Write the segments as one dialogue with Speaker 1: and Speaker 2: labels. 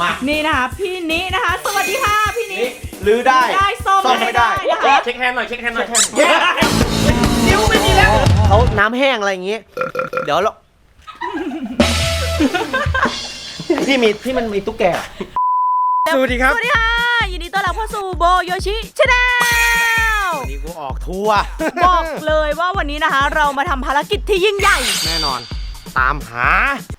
Speaker 1: มา
Speaker 2: นี่นะคะพี่นินะคะสวัสดีค่ะพี่นิ
Speaker 1: ลื้อได้
Speaker 2: ซ่อมไม่ได้นะคะ
Speaker 3: เช็คแฮนด์หน่อย
Speaker 1: นิ้วไม่มีแล้วเขาน้ำแห้งอะไรอย่างงี้เดี๋ยวเราที่มันมีตุ๊กแกสวัสดีครับ
Speaker 2: สวัสดีค่ะยินดีต้อนรับเข้าสู่โบโยชิชาแนล
Speaker 1: วันนี้กูออกทัวร์
Speaker 2: บอกเลยว่าวันนี้นะคะเรามาทำภารกิจที่ยิ่งใหญ่
Speaker 1: แน่นอนตามหา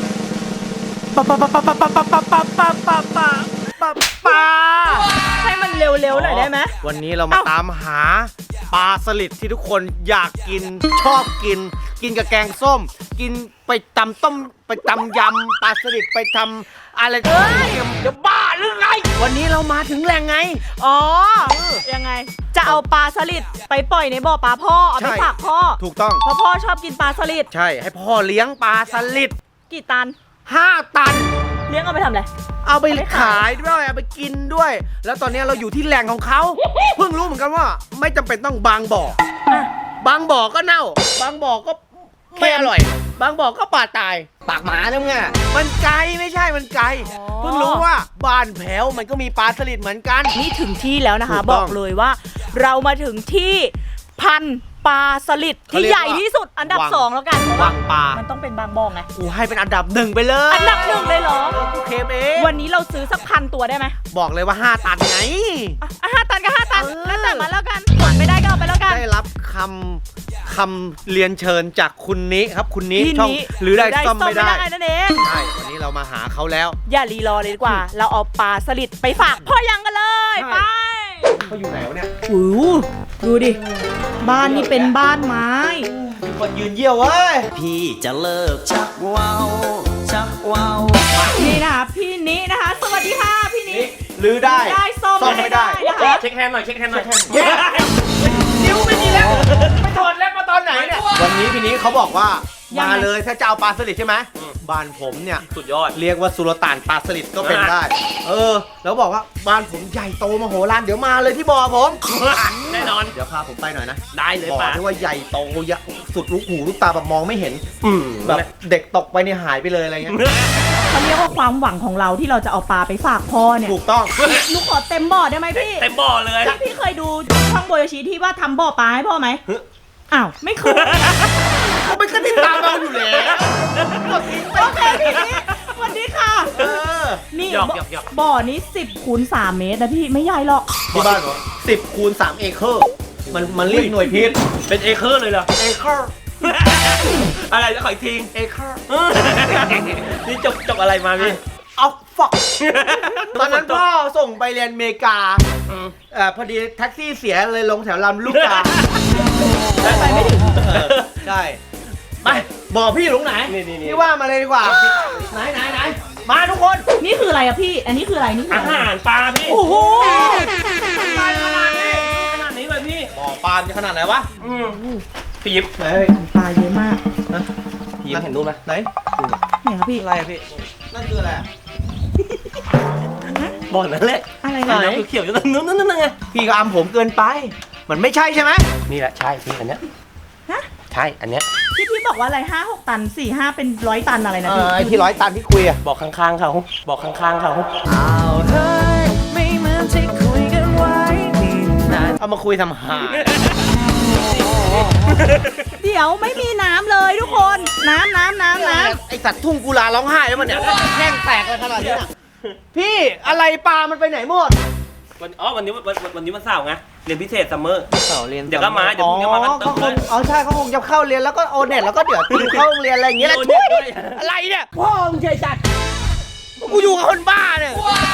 Speaker 1: ปลา
Speaker 2: ให้มันเร็วๆหน่อยได้ไหม
Speaker 1: วันนี้เรามาตามหาปลาสลิดที่ทุกคนอยากกินชอบกินกับแกงส้มกินไปตำต้มไปตำยำปลาสลิดไปทำอะไรจะบ้าหรือไงวันนี้เรามาถึงแหล่งไง
Speaker 2: อ๋อยังไงจะเอาปลาสลิดไปปล่อยในบ่อปลาพ่อเอาไปฝากพ่อ
Speaker 1: ถูกต้อง
Speaker 2: เพราะพ่อชอบกินปลาสลิด
Speaker 1: ใช่ให้พ่อเลี้ยงปลาสลิด
Speaker 2: กี่ตัน
Speaker 1: 5 ตัน
Speaker 2: เลี้ยงเอาไปทำอะไร
Speaker 1: เอาไปขายด้วยเอาไปกินด้วยแล้วตอนนี้เราอยู่ที่แหล่งของเขาเพิ่งรู้เหมือนกันว่าไม่จำเป็นต้องบางบ่อบางบ่อก็เน่าบางบ่อก็ไม่อร่อยบางบ่อก็ปลาตายปากหมาแล้วไงมันไกลไม่ใช่มันไกลเพิ่งรู้ว่าบ้านแผวมันก็มีปลาสลิดเหมือนกัน
Speaker 2: นี่ถึงที่แล้วนะคะบอกเลยว่าเรามาถึงที่พันปลาสลิดที่ใหญ่ที่สุดอันดับ2แล้วกัน
Speaker 1: วังปลา
Speaker 2: มันต้องเป็นบางบ่อไง
Speaker 1: กูให้เป็นอันดับ1ไปเลย
Speaker 2: อันดับ1เลยเหรอ
Speaker 1: กูเคมเอ
Speaker 2: วันนี้เราซื้อสัก1,000 ตัวได้ไหม
Speaker 1: บอกเลยว่า5 ตันไง
Speaker 2: 5 ตันก็5 ตันแล้วแต่มาแล้วกันกดไม่ได้ก็เอาไปแล้วกัน
Speaker 1: ได้รับคำเรียนเชิญจากคุณนิครับคุณนิช่องหรือได้ซ่อมไม่ได้
Speaker 2: นั่นเอง
Speaker 1: ใช่วันนี้เรามาหาเขาแล้ว
Speaker 2: อย่ารีรอเลยดีกว่าเราเอาปลาสลิดไปฝากพ่อยังกันเลยไป
Speaker 1: เขาอยู่ไหนวะเนี่ย
Speaker 2: ดูดิบ้านนี่เป็นบ้านไม้
Speaker 1: มีคนยืนเยี่ยวเว้ย
Speaker 3: พี่จะเลิกชักว้าว
Speaker 2: นี่นะคะพี่นินะคะสวัสดีค่ะพี่นิ
Speaker 1: ลื้อได้
Speaker 2: ซ่อมไม่ได้นะคะ
Speaker 3: เช็คแฮนด์หน่อย
Speaker 1: นิ้วไม่มีแล้วไม่ถอดแล้วมาตอนไหนเนี่ยวันนี้พี่นิเขาบอกว่ามาเลยถ้าจะเอาปลาสลิดใช่ไหมบ้านผมเนี่ย
Speaker 3: สุดยอด
Speaker 1: เรียกว่าสุลต่านปลาสลิดก็เป็นได้แล้วบอกว่าบ้านผมใหญ่โตมโหฬารเดี๋ยวมาเลยที่บ่อผม
Speaker 3: แน่นอน
Speaker 1: เดี๋ยวพาผมไปหน่อยนะ
Speaker 3: ได้เลย
Speaker 1: ป่ะที่ว่าใหญ่โตสุดลูกหูลูกตาแบบมองไม่เห็นแบบเด็กตกไปเนี่ยหายไปเลยอะไรเงี้ย
Speaker 2: เขาเรียกว่าความหวังของเราที่เราจะเอาปลาไปฝากพ่อเนี่ย
Speaker 1: ถูกต้อง
Speaker 2: หนูขอเต็มบ่อได้ไหมพี่
Speaker 3: เต็มบ่อเลย
Speaker 2: พี่เคยดูช่องโบโยชิที่ว่าทำบ่อปลาให้พ่อไหมอ้าวไม่เคย
Speaker 1: เขาไม่ติดตามเราอยู่แล้ว
Speaker 2: โอเคพี่สวัสดีค่ะนี่บ่อนี้10x3 เมตรนะพี่ไม่ใหญ่หรอก
Speaker 1: ที่บ้านเหรอ10x3 เอเคอร์มันเรียกหน่วยพิษ
Speaker 3: เป็นเอเคอร์เลยเหรอ
Speaker 1: เอเคอร์
Speaker 3: อะไรจะขออีกที
Speaker 1: เอเคอร์
Speaker 3: นี่จบอะไรมาพี่
Speaker 1: เอาฟักตอนนั้นพ่อส่งไปเรียนอเมริกาพอดีแท็กซี่เสียเลยลงแถวลำลูกกา
Speaker 2: ไปไม่ถึง
Speaker 1: ใช่ไปบอกพี่อยู่ตรงไหนพี่ว่ามาเลยดีกว่าไหนมาทุกคน
Speaker 2: นี่คืออะไรอะพี่อันนี้คืออะไรนี่
Speaker 3: อาหารปลาพี่
Speaker 2: โอ้โห
Speaker 3: ขนาดนี้เลยพี่
Speaker 1: บ่อปลาจะขนาดไหนวะ
Speaker 3: พี่ยิบ
Speaker 2: ปลาเยอะมาก
Speaker 3: พี่ยิบเห็นรูปไหม
Speaker 1: ไหน
Speaker 2: เนี่ยครับพี่
Speaker 1: อะไรอะพี่นั่นคืออะไร
Speaker 3: บ่อนั่นแหละ
Speaker 2: อะไร
Speaker 3: นะเขียวๆนั่นไง
Speaker 1: พี่ก็อำผมเกินไปมันไม่ใช่ใช่ไหม
Speaker 3: นี่แหละใช่พี่อันเนี้ยใช่อันเนี้ย
Speaker 2: ที่พี่บอกว่าอะไร5-6 ตัน4-5เป็น100 ตันอะไรนะ
Speaker 1: พี่ที่100 ตันที่คุยอะ
Speaker 3: บอกข้างๆเขา
Speaker 1: เฮ้ยไม่เหมือนที่คุยกันไว้เอามาคุยทำหา
Speaker 2: เดี๋ยวไม่มีน้ำเลยทุกคนน้ำ
Speaker 1: ไอสัตว์ทุ่งกุลาร้องไห้แล้วมันเนี่ยแห้งแตกเลยขนาดนี้พี่อะไรปลามันไปไหนหมด
Speaker 3: วันนี้วันเสาร์ไงเรียนพิเศษซัมเมอร์
Speaker 1: เรียน
Speaker 3: เดี๋ยวก็มาเดี๋ยวพรุ่งนี้มากันเติมเลย
Speaker 1: ใช่เขาคงจะเข้าเรียนแล้วก็โอเน็ตแล้วก็เดี๋ยวเข้าโรงเรียนอะไรอย่างเงี้ยแหละช่วยอะไรเนี่ย
Speaker 2: พ่อมึงใจจัด
Speaker 1: กูอยู่กับคนบ้าเนี่ย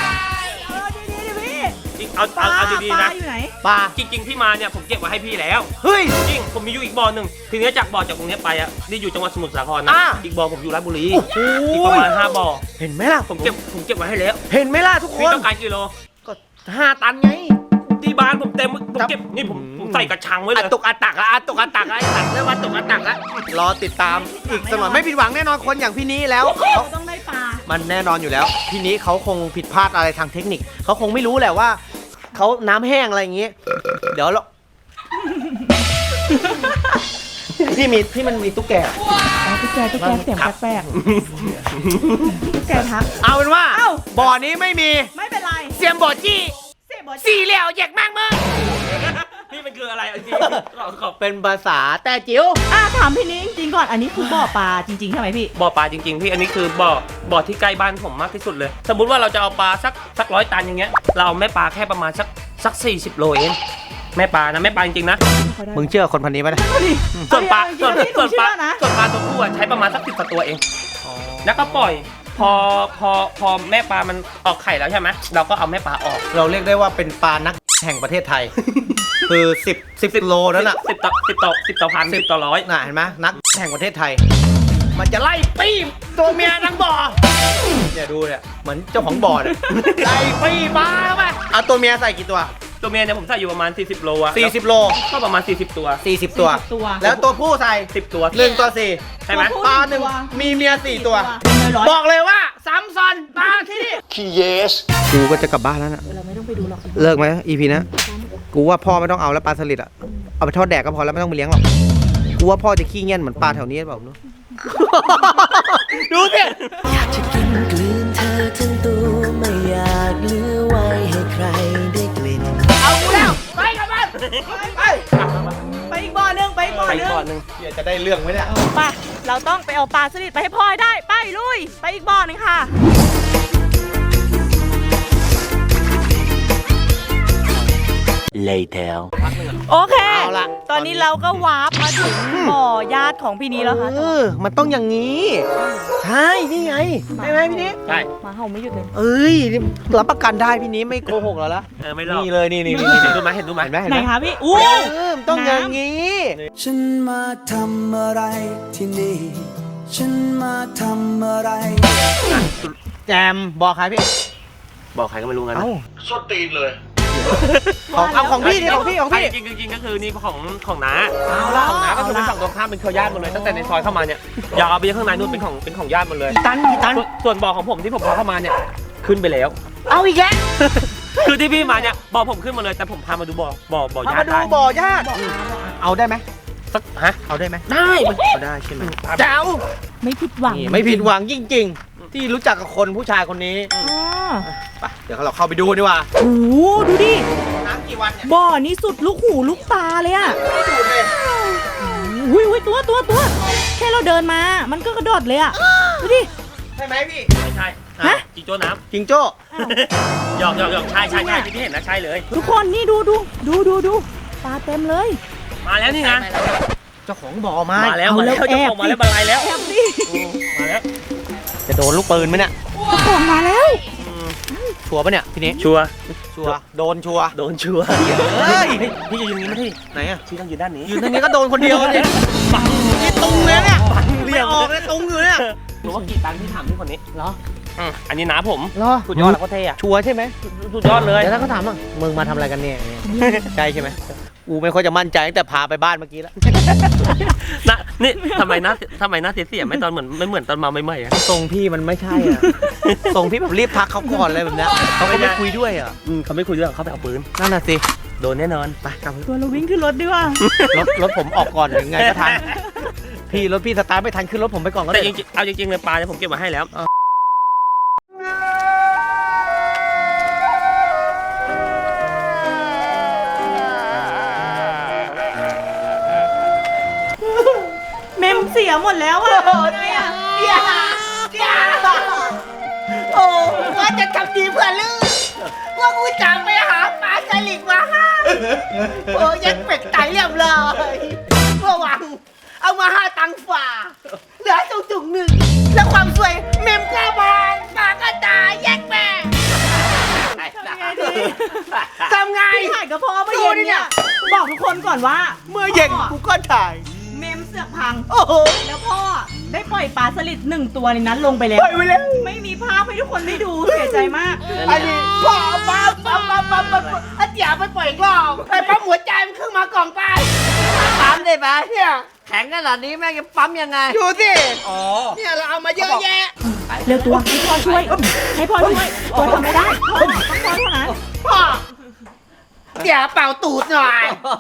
Speaker 3: เอาดีๆนะ
Speaker 1: ปลา
Speaker 3: จริงๆพี่มาเนี่ยผมเก็บไว้ให้พี่แล้ว
Speaker 1: เฮ้ย
Speaker 3: จริงผมมีอยู่อีกบ่อหนึ่งทีนี้จากบ่อจากตรงนี้ไปอ่ะนี่อยู่จังหวัดสมุทรสาครนะอีกบ่อผมอยู่ราชบุรีอีกประมาณ5 บ่อ
Speaker 1: เห็นไหมล่ะ
Speaker 3: ผมเก็บไว้ให้แล้ว
Speaker 1: เห็นไหมล่ะทุกคน
Speaker 3: พี่ต้องการกิโล
Speaker 1: ก็5 ตันไง
Speaker 3: ที่บ้านผมเต็มผมเก็บนี่ผมใส่กระชังไว้เลย
Speaker 1: ตกอัตักไอ้ตัดเรียกว่าตกอัตักละรอติดตามอีกสักหน่อยไม่ผิดหวังแน่นอนคนอย่างพี่นี้แล้ว
Speaker 2: เขาต้องได้ปลา
Speaker 1: มันแน่นอนอยู่แล้วพี่นี้เขาคงผิดพลาดอะไรทางเทคนิคเขาคงไม่รู้แหละว่าเขาน้ำแห้งอะไรอย่างงี้เดี๋ยวเราพี่มันมีตุ๊กแก
Speaker 2: อ๋อตุ๊กแกเสียงแปลกๆตุ๊กแกทัก
Speaker 1: เอาเป็นว่า
Speaker 2: เอ้า
Speaker 1: บ่อนี้ไม่มี
Speaker 2: ไม่เป็นไร
Speaker 1: เสียมบ่อจี้
Speaker 2: เสียบอ
Speaker 1: สี่เหลี่ยวแยกมากมึง
Speaker 3: นี่มันคืออะไรจริงขอบ
Speaker 1: เป็นภาษาแต่จิ๋ว
Speaker 2: ถามพี่นิ้งจริงก่อนอันนี้คือบ่อปลาจริงๆใช่ไหมพี่
Speaker 3: บ่อปลาจริงๆพี่อันนี้คือบ่อที่ใกล้บ้านผมมากที่สุดเลย สมมุติว่าเราจะเอาปลาสัก100 ตันอย่างเงี้ยเราเอาแม่ปลาแค่ประมาณสัก40 โลเองแม่ปลานะแม่ปลาจริงๆนะ
Speaker 1: มึงเชื่อคนพันนี้ไหม
Speaker 3: ส่วนปลาส่วน
Speaker 2: ส่วนปลานะ
Speaker 3: ตัวผู้อะใช้ประมาณสัก10 กว่าตัวเองแล้วก็ปล่อยพอแม่ปลามันออกไข่แล้วใช่ไหมเราก็เอาแม่ปลาออก
Speaker 1: เราเรียกได้ว่าเป็นปลานักแห่งประเทศไทย คือ10โลนั่นน่ะ
Speaker 3: 10 ต่อพัน10 ต่อร้อย
Speaker 1: น่ะเห็นไหมนักแห่งประเทศไทย มันจะไล่ปี้ตัวเมียทั้งบ่อเนี่ยดูเนี่ยเหมือนเจ้าของบ่อเนี่ยไล่ปี้มาเข้าไปเอาตัวเมียใส่กี่ตัว
Speaker 3: ตัวเมียเนี่ยผมใส่อยู่ประมาณ40 โลอะ
Speaker 1: 40 โล
Speaker 3: ก็ประมาณ40 ตัว
Speaker 1: 40 ตัว
Speaker 2: ตัว
Speaker 1: แล้วตัวผู้ใส่
Speaker 3: 10 ตัว
Speaker 1: 1 ตัว 4
Speaker 3: ใช่ไหม
Speaker 2: ตัวผู้
Speaker 1: ปลาหนึ่ง
Speaker 2: ตัว
Speaker 1: มีเมีย4 ตัว
Speaker 2: ร้อย
Speaker 1: บอกเลยว่าซ้ำซ้อนปลาที่นี่ขี้เยสกูก็จะกลับบ้านแล้วนะ
Speaker 2: เราไม่ต้องไปดูหรอก
Speaker 1: เลิกไหม EP นะกูว่าพ่อไม่ต้องเอาแล้วปลาสลิดอะเอาไปทอดแดกก็พอแล้วไม่ต้องไปเลี้ยงหรอกกูว่าพ่อจะขี้เงี้ยนเหมือนปลาแถวนี้หรือเปล่าเนอะ ดูสิ
Speaker 4: จะกินกลืนเธอทั้งตัวไม่อยากเหลือไว้ให้ใครได้กลิ่น
Speaker 1: เอากูแล้วไปกับมันไป
Speaker 2: ไปอีกบ่อหนึงไปอีกบ่อ
Speaker 3: ไป
Speaker 2: หนึง
Speaker 3: ก่อนหนึง
Speaker 1: เดี๋ยวจะได้เรื่องไหมเนี่ย
Speaker 2: ไปเราต้องไปเอาปลาสลิดไปให้พ่อให้ได้ไปลุยไปอีกบ่อหนึงค่ะ
Speaker 4: Later
Speaker 2: โอเค
Speaker 1: เอาล่ะ
Speaker 2: ตอนนี้เราก็วาร์ปมาถึงบ่อญาติของพี่นี้แล้วค่ะ
Speaker 1: มันต้องอย่างนี้ ใช่ นี่ไงใช่ไหมพี่นี้
Speaker 3: ใช่
Speaker 2: หมาเห่าไม่หยุดเลย
Speaker 1: เอ้ยนี่รับประกันได้พี่นี้ไม่โกหกเราละ
Speaker 3: ไม่รอด
Speaker 1: นี่เลยนี่
Speaker 3: เห็นดูไหมเห็นดูไหม
Speaker 1: เห็นไหมเห็น
Speaker 2: ไหน
Speaker 1: ไหม
Speaker 2: คะพี่อู้
Speaker 1: มันต้องอย่างนี้
Speaker 4: ฉันมาทำอะไรที่นี่ ฉันมาทำอะไร
Speaker 1: แจมบอกใครพี่
Speaker 3: บอกใครก็ไม่รู้งั้นนะ
Speaker 1: เอ้าส้นตีนเลยเอาของพี่นี่ของพี่
Speaker 3: จริงๆก็คือนี่ของน้า
Speaker 1: เอาละ
Speaker 3: ของน้าก็คือเป็นฝั่งตรงข้ามเป็นเครือญาติหมดเลยตั้งแต่ในซอยเข้ามาเนี่ยยาวไปข้างในนู่นเป็นของญาติหมดเลย
Speaker 1: กี่ตัน
Speaker 3: ส่วนบ่อของผมที่ผมพาเข้ามาเนี่ยขึ้นไปแล้ว
Speaker 1: เอาอีกแล้ว
Speaker 3: คือที่พี่มาเนี่ยบ่อผมขึ้นมาเลยแต่ผมพามาดูบ่อ
Speaker 1: เอา
Speaker 3: ญา
Speaker 1: มา
Speaker 3: ติ
Speaker 1: ดู
Speaker 3: ได้
Speaker 1: บ่อญาติเอาได้ไหม
Speaker 3: สักฮะ
Speaker 1: เอาได้ไหม
Speaker 3: ได้
Speaker 1: เอาได้ใช่ไหมแจ๋ว
Speaker 2: ไม่ผิดหวัง
Speaker 1: นี่ไม่ผิดหวังจริงๆ ที่รู้จักกับคนผู้ชายคนนี้
Speaker 2: อ๋อ
Speaker 1: ไปเดี๋ยวเราเข้าไปดูดีกว่า
Speaker 2: โอ้โหดูดิ
Speaker 1: น้ำกี่วันเนี่ย
Speaker 2: บ่อนี้สุดลูกหูลูกตาเลยอะ
Speaker 1: ไม่ดูดเลย
Speaker 2: อุ้ยตัวแค่เราเดินมา มันก็กระโดดเลยอะดูดิ
Speaker 1: ใช่ไหมพี่
Speaker 3: ไม่ใช่
Speaker 2: ฮะ
Speaker 3: จิงโจ้น้
Speaker 1: จิงโจ้
Speaker 2: อ้าว
Speaker 3: ำหยอกใช่ที่พี่เห็นนะใช่เลย
Speaker 2: ทุกคนนี่ดูปลาเต็มเลย
Speaker 3: มาแล้วนี่ไง
Speaker 1: เจ้าของบ่อมา
Speaker 3: มาแล้ว
Speaker 2: เอา
Speaker 3: มา
Speaker 2: แล้
Speaker 3: แล้ว วเจ้าของมาแล้วบรรลัยแล้ว
Speaker 2: แอบดิ
Speaker 3: มาแล้ว
Speaker 1: จะโดนลูกปืนไหมเนี่ย
Speaker 2: เจ้าของมาแล้ว
Speaker 1: ชัวร์ปะเนี่ยพี่นี้
Speaker 3: ชัวร์
Speaker 1: ชัวร์โดนชัวร์
Speaker 3: โดนชัวร์
Speaker 1: เฮ้ย
Speaker 3: พี่จะยืนนี้ไหมที่
Speaker 1: ไหนอะ
Speaker 3: พี่ต้องยืนด้านนี้
Speaker 1: ยืนตรงนี้ก็โดนคนเดียวเนี่ยนี่ตุงเลยเนี่ยไม่ออกเลยตุงอยู่เนี่ย
Speaker 3: หนูว่ากี่ตังค์ที่ถามพี่คนนี้
Speaker 1: เหรอ
Speaker 3: อันนี้น้าผม
Speaker 1: เหรอ
Speaker 3: สุดยอดแล้วก็เท่อะ
Speaker 1: ชัวร์ใช่ไหม
Speaker 3: สุดยอดเลย
Speaker 1: เดี๋ยวถ้าเขาถามว่ามึงมาทำอะไรกันเนี่ยใช่ใช่ไหมกูไม่ค่อยจะมั่นใจตั้งแต่พาไปบ้านเมื่อกี้แล้ว
Speaker 3: นะนี่ทำไมหน้าเสียไม่ตอนเหมือนไม่เหมือนตอนมาใหม่ๆอะ
Speaker 1: ทรงพี่มันไม่ใช่อ่ะ ทรงพี่แบบรีบพักเขาก่อนเลยแบบเนี้ยเขาก็ไม่คุยด้วยอ่ะ
Speaker 3: เขาไม่คุยด้วยเขาไปเอาปืน
Speaker 1: นั่นน่ะสิ
Speaker 3: โดนแน่นอน
Speaker 1: ไปกลับ
Speaker 2: ตัวเราวิ่งขึ้นรถดีกว่า
Speaker 1: รถผมออกก่อนยังไงก็ทันพี่รถพี่สตาร์ทไม่ทันขึ้นรถผมไปก่อนก็
Speaker 3: แต่
Speaker 1: ได้
Speaker 3: จริงๆเอาจริงๆเลยปลาเนี่ยผมเก็บมาให้แล้ว
Speaker 2: เมมเสียหมดแล้วอะทำไงอะ
Speaker 5: โอ้ว่าจะทำดีเพื่อลูกว่ากูจะไปหาปลาสลิดมาให้โอ้ยังเป็ดไตเรียบเลยเมื่อวังเอามา5 ตังค์ฝ่า เหลือจุกหนึ่งแล้วความสวยเมมกล้าบานปากก็ตายแยกแม่
Speaker 2: ทำไงดี
Speaker 5: ทำไง
Speaker 2: พี่ถ่ายกับพ่อเมื่อเย็นเนี่ยบอกทุกคนก่อนว่า
Speaker 1: เมื่อเย็นกูก็ถ่าย
Speaker 2: เมมเสือกพัง
Speaker 1: โอ้โห
Speaker 2: แล้วพ่อได้ปล่อยปลาสลิด1 ตัวในนั้นลงไปแล้ว
Speaker 1: ปล่อยไปแล้ว
Speaker 2: ไม่มีภาพให้ทุกคนได้ดูเสียใจมาก
Speaker 5: อันนี้พ่อปั๊มอาเจียไปปล่อยอีกรอบไปปั๊มหัวใจมันขึ้นมากล่องไปปั๊มได้ปะเนี่ยแข็งขนาดนี้แม่งจะปั๊มยังไงดูสิ
Speaker 1: อ๋อ
Speaker 5: เนี่ยเราเอามาเยอะแยะ
Speaker 2: เร็วตัวให้พ่อช่วยตัวทำไม่ได้พ่อต้องพ่อเท่านั้น
Speaker 5: พ่อตี๋ยเป่าตูดหน่อย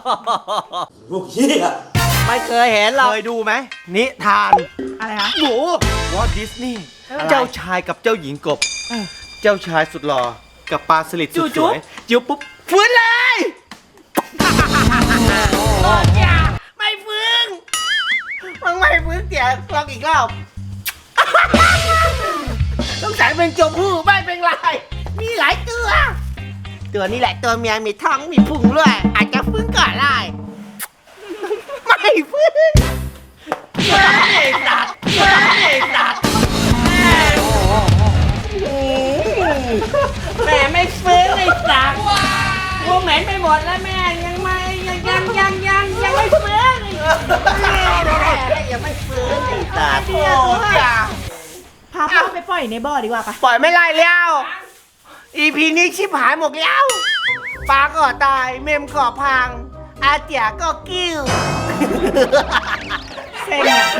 Speaker 1: ไม่เคยเห็นเราเคยดูไหมนิทาน
Speaker 2: อะไรคะ
Speaker 1: หนูวอลดิสนีย์เจ้าชายกับเจ้าหญิงกบ เจ้าชายสุดหล่อกับปลาสลิดสุดสวยจิ้วปุ๊บฟื้นเลย
Speaker 5: โอ้ยอย่าไม่ฟื้นมึงไม่ฟื้นเตี๋ยลองอีกรอบ ต้องใส่เป็นจมพู่ไม่เป็นไร มีหลายตัว ตัวนี้แหละตัวเมียมีท้องมีพุงด้วย อาจจะฟื้นก่อนได้ไม่ฟื้นไม่ตัดไม่ตัดแม่ไม่ฟื้นไม่ตัดกูเหม็นไปหมดแล้วแม่ยังไม่ยังไม่ฟื้นแม่ยังไม่ฟื้นไม่ตัด
Speaker 2: พาพ่อไปปล่อยในบ่อดีกว่าปะ
Speaker 5: ปล่อยไม่ไล่แล้ว EP นี้ชิบหายหมดแล้วปลาก็ตาย เมมก็พัง อาเจียก็กิ้ว
Speaker 2: เซ็งอ่ะ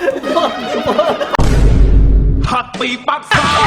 Speaker 3: หักปีปักซา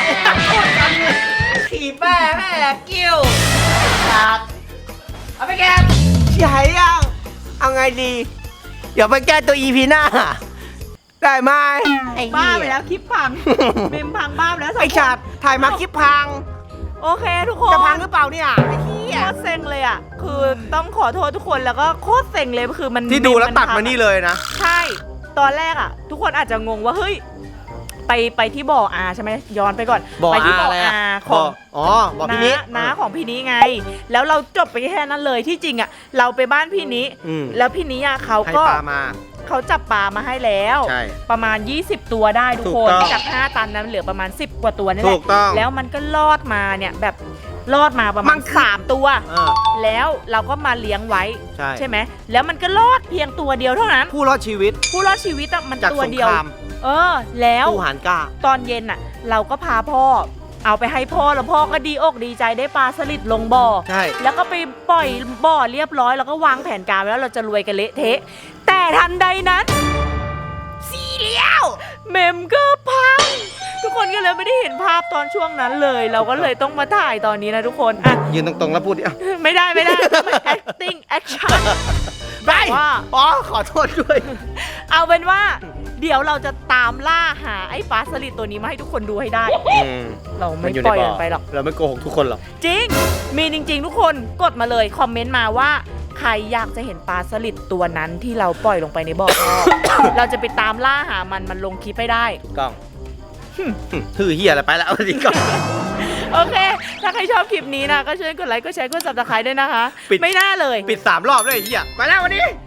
Speaker 5: ขี่แม่แม่กิ้วตัดเอาไปแกใหญ่ยังเอาไงดี เดี๋ยวไปแก้ตัว EP หน้า ได้ไหมไอ้
Speaker 2: บ้า
Speaker 5: เหี้ย
Speaker 2: ไปแล้วคลิปพัง เมมพังบ้าไปแล้วสง
Speaker 5: ไอ้
Speaker 2: คน
Speaker 5: ชาติถ่ายมาคลิปพัง
Speaker 2: โอเคทุกคน
Speaker 5: จะพังหรือเปล่าเนี่ยไอ้เหี้ย
Speaker 2: โคตรเซ็งเลยอ่ะ คือต้องขอโทษทุกคนแล้วก็โคตรเซ็งเลยคือมัน
Speaker 1: ที่ดูแล้วตัดมานี่เลยนะ
Speaker 2: ใช่ ตอนแรกอ่ะ ทุกคนอาจจะงงว่าเฮ้ยไปที่บ่ออาใช่ไหมย้อนไปก่อน
Speaker 1: บ่อ
Speaker 2: ไปที่
Speaker 1: อา
Speaker 2: บ่อ
Speaker 1: อะไรอะ
Speaker 2: อาข
Speaker 1: บ่
Speaker 2: อ
Speaker 1: อง อ๋อบ่อพี่นิ
Speaker 2: น้าของพี่นี้ไง แล้วเราจบไปแค่นั้นเลยที่จริงอ่ะเราไปบ้านพี่นี้
Speaker 1: อืม
Speaker 2: แล้วพี่นี้อ่ะเขา
Speaker 1: ให้
Speaker 2: ก็
Speaker 1: ปลามา
Speaker 2: เขาจับปลามาให้แล้ว
Speaker 1: ใช่
Speaker 2: ประมาณ 20 ตัวได้ทุก
Speaker 1: ถู
Speaker 2: ค
Speaker 1: ก
Speaker 2: น
Speaker 1: ต้อง
Speaker 2: จาก 5 ตันนั้นเหลือประมาณ 10 กว่าตัวนี่แห
Speaker 1: ถู
Speaker 2: ละ
Speaker 1: กต้อง
Speaker 2: แล้วมันก็รอดมาเนี่ยแบบรอดมาประมาณ3 ตัว แล้วเราก็มาเลี้ยงไว้
Speaker 1: ใช่
Speaker 2: ไหมแล้วมันก็รอดเพียงตัวเดียวเท่านั้น
Speaker 1: ผู้รอดชีวิต
Speaker 2: ผู้รอดชีวิตอะมัน
Speaker 1: จาก
Speaker 2: ตัว
Speaker 1: สง
Speaker 2: เดี
Speaker 1: ค
Speaker 2: ยว
Speaker 1: ราม
Speaker 2: แล้ว
Speaker 1: ผู้หารกล้า
Speaker 2: ตอนเย็นอะเราก็พาพ่อ เอาไปให้พ่อแล้วพ่อก็ดีอกดีใจได้ปลาสลิดลงบ่อ
Speaker 1: ใช่
Speaker 2: แล้วก็ไปปล่อยบ่อเรียบร้อยแล้วก็วางแผนการไว้แล้วเราจะรวยกันเละเทะ แต่ทันใดนั้นสีเลี้ยวเมมก็พัง ทุกคนก็เลยไม่ได้เห็นภาพตอนช่วงนั้นเลย เราก็เลยต้องมาถ่ายตอนนี้นะทุกคนอ่ะ
Speaker 1: ยืนตรงๆแล้วพูดดิอ่ะ
Speaker 2: ไม่ได้ต้องไป acting action
Speaker 1: ไป
Speaker 2: ว่า
Speaker 1: อ๋อขอโทษด้วย
Speaker 2: เอาเป็นว่า เดี๋ยวเราจะตามล่าหาไอ้ปลาสลิดตัวนี้มาให้ทุกคนดูให้ได้ เราไม่ปล่อยมันไปหรอก
Speaker 1: เราไม่โกหกทุกคนหรอก
Speaker 2: จริง มีจริงๆทุกคนกดมาเลย คอมเมนต์มาว่า ใครอยากจะเห็นปลาสลิดตัวนั้นที่เราปล่อยลงไปในบ่อ เราจะไปตามล่าหามันลงคลิปให้ได้
Speaker 1: ถูกต้องถือเหี้ยอะไรไปแล้วเอาดีก่อน
Speaker 2: โอเค ถ้าใครชอบคลิปนี้นะ ก็ช่วยกดไลค์ กดแชร์ กด subscribe ด้วยนะคะ
Speaker 1: ปิด
Speaker 2: ไม่น่าเลย
Speaker 1: ปิด3 รอบเลยไอ้เหี้ยไปแล้ววันนี้